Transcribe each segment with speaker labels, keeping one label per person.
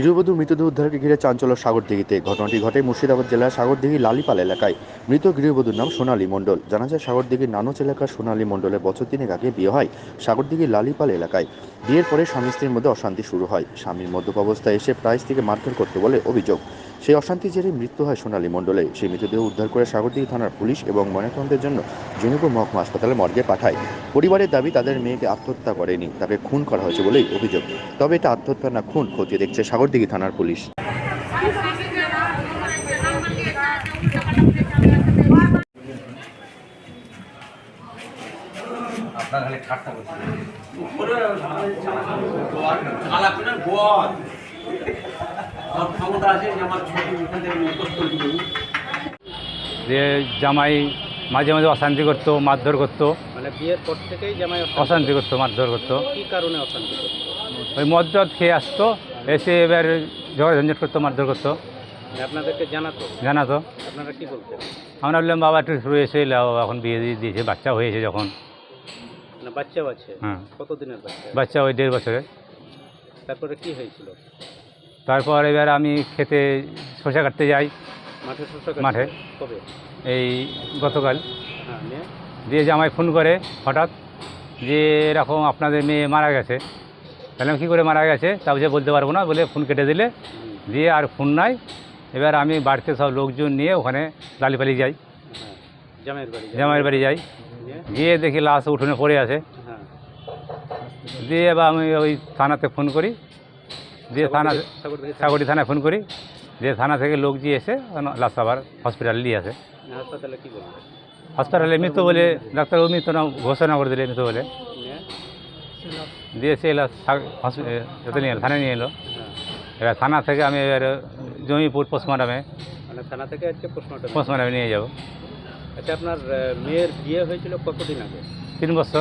Speaker 1: গৃহবধূর মৃতদেহ উদ্ধারকে ঘিরে চাঞ্চল্য সাগরদিঘিতে। ঘটনাটি ঘটে মুর্শিদাবাদ জেলার সাগরদিঘি লালিপাল এলাকায়। মৃত গৃহবধূর নাম সোনালী মণ্ডল। জানা যায় সাগরদিঘির নানচ এলাকার সোনালী মণ্ডলের বছর তিনেক আগে বিয়ে হয় সাগরদিঘি লালিপাল এলাকায়। বিয়ের পরে স্বামী স্ত্রীর মধ্যে অশান্তি শুরু হয়। স্বামীর মদ্যপ অবস্থায় এসে প্রায় স্ত্রীকে মারধর করতে বলে অভিযোগ। সেই অশান্তির জেরে মৃত্যু হয় সোনালী মণ্ডলের। সেই মৃতদেহ উদ্ধার করে সাগরদিঘি থানার পুলিশ এবং ময়নাতদন্তের জন্য জঙ্গিপুর মহকুমা হাসপাতালে মর্গে পাঠায়। পরিবারের দাবি তাদের মেয়েকে আত্মহত্যা করেনি, তাকে খুন করা হয়েছে বলেই অভিযোগ। তবে এটা আত্মহত্যা না খুন খতিয়ে দেখছে সাগরদিঘি থানার পুলিশ।
Speaker 2: আপনার খালি ঠাট্টা করছে ক্ষমতা আছে যে আমার ছবি এখান থেকে মুখস্থ করে দিব।
Speaker 3: যে জামাই মাঝে মাঝে অশান্তি করতো, মারধর করতো।
Speaker 4: মানে বিয়ের পর থেকেই জামাই
Speaker 3: অশান্তি করতো, মারধর করতো।
Speaker 4: কি কারণে অশান্তি করতো?
Speaker 3: ওই মদ খেয়ে আসতো, এসে এবার ঝগড়া ঝঞ্ঝট করতো, মারধর করতো।
Speaker 4: মানে আপনাদেরকে
Speaker 3: জানাতো।
Speaker 4: আপনারা কি বলতেন?
Speaker 3: আমরা বললাম বাবা একটু শুরু এসে এলাও, এখন বিয়ে দিয়ে দিয়েছে, বাচ্চা হয়েছে যখন।
Speaker 4: না বাচ্চাও আছে?
Speaker 3: হ্যাঁ।
Speaker 4: কতদিনের বাচ্চা?
Speaker 3: বাচ্চা ওই 1.5 বছরের।
Speaker 4: তারপরে কি হয়েছিল?
Speaker 3: তারপর এবার আমি খেতে শসা কাটতে যাই মাঠে।
Speaker 4: কবে?
Speaker 3: এই গতকাল।
Speaker 4: হ্যাঁ,
Speaker 3: দিয়ে জামাই ফোন করে হঠাৎ যে এরকম আপনাদের মেয়ে মারা গেছে। তাহলে কী করে মারা গেছে তা বুঝে বলতে পারবো না বলে ফোন কেটে দিলে। দিয়ে আর ফোন নাই। এবার আমি বাড়িতে সব লোকজন নিয়ে ওখানে লালিপালি যাই, জামাইয়ের বাড়ি যাই। গিয়ে দেখি লাশ উঠোনে পড়ে আছে। দিয়ে এবার আমি ওই থানাতে ফোন করি, দিয়ে সাগরদিঘি থানায় ফোন করি। দিয়ে থানা থেকে লোক দিয়ে এসে লাশ আবার হসপিটালে নিয়ে আসে।
Speaker 4: হাসপাতালে কি বলবে?
Speaker 3: হাসপাতালে মৃত বলে ডাক্তার মৃত না ঘোষণা করে দিলে মৃত বলে। দিয়ে সে এলো থানায় নিয়ে এলো। এবার থানা থেকে আমি এবার জমিপুর পোস্টমর্টমে,
Speaker 4: মানে থানা থেকে আজকে
Speaker 3: পোস্টমর্টমে নিয়ে যাব।
Speaker 4: আচ্ছা, আপনার মেয়ের বিয়ে হয়েছিল কতদিন আগে?
Speaker 3: 3 বছর।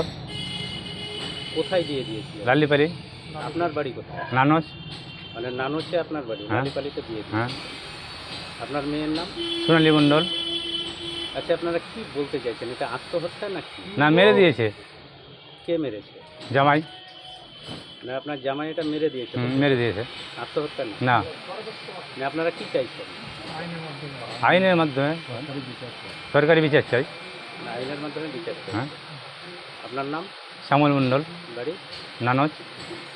Speaker 4: কোথায় বিয়ে দিয়েছিল?
Speaker 3: লালিপালি।
Speaker 4: আপনার বাড়ি কোথায়?
Speaker 3: নানচ।
Speaker 4: মানে নানচে আপনার বাড়ি?
Speaker 3: হ্যাঁ।
Speaker 4: লালিপালিতে বিয়ে?
Speaker 3: হ্যাঁ।
Speaker 4: আপনার মেয়ের নাম?
Speaker 3: সোনালী মণ্ডল।
Speaker 4: আচ্ছা, আপনারা কি বলতে চাইছেন? এটা আত্মহত্যা নাকি?
Speaker 3: না, মেরে দিয়েছে।
Speaker 4: কে মেরেছে?
Speaker 3: জামাই।
Speaker 4: না, আপনার জামাই এটা মেরে দিয়েছে?
Speaker 3: মেরে দিয়েছে।
Speaker 4: আত্মহত্যা
Speaker 3: না।
Speaker 4: না, আপনারা কি চাইছেন?
Speaker 3: আইনের মাধ্যমে সরকারি বিচার চাই।
Speaker 4: আইনের মাধ্যমে বিচার চাই।
Speaker 3: হ্যাঁ।
Speaker 4: আপনার নাম?
Speaker 3: শ্যামল মণ্ডল,
Speaker 4: বাড়ি?
Speaker 3: নানচ।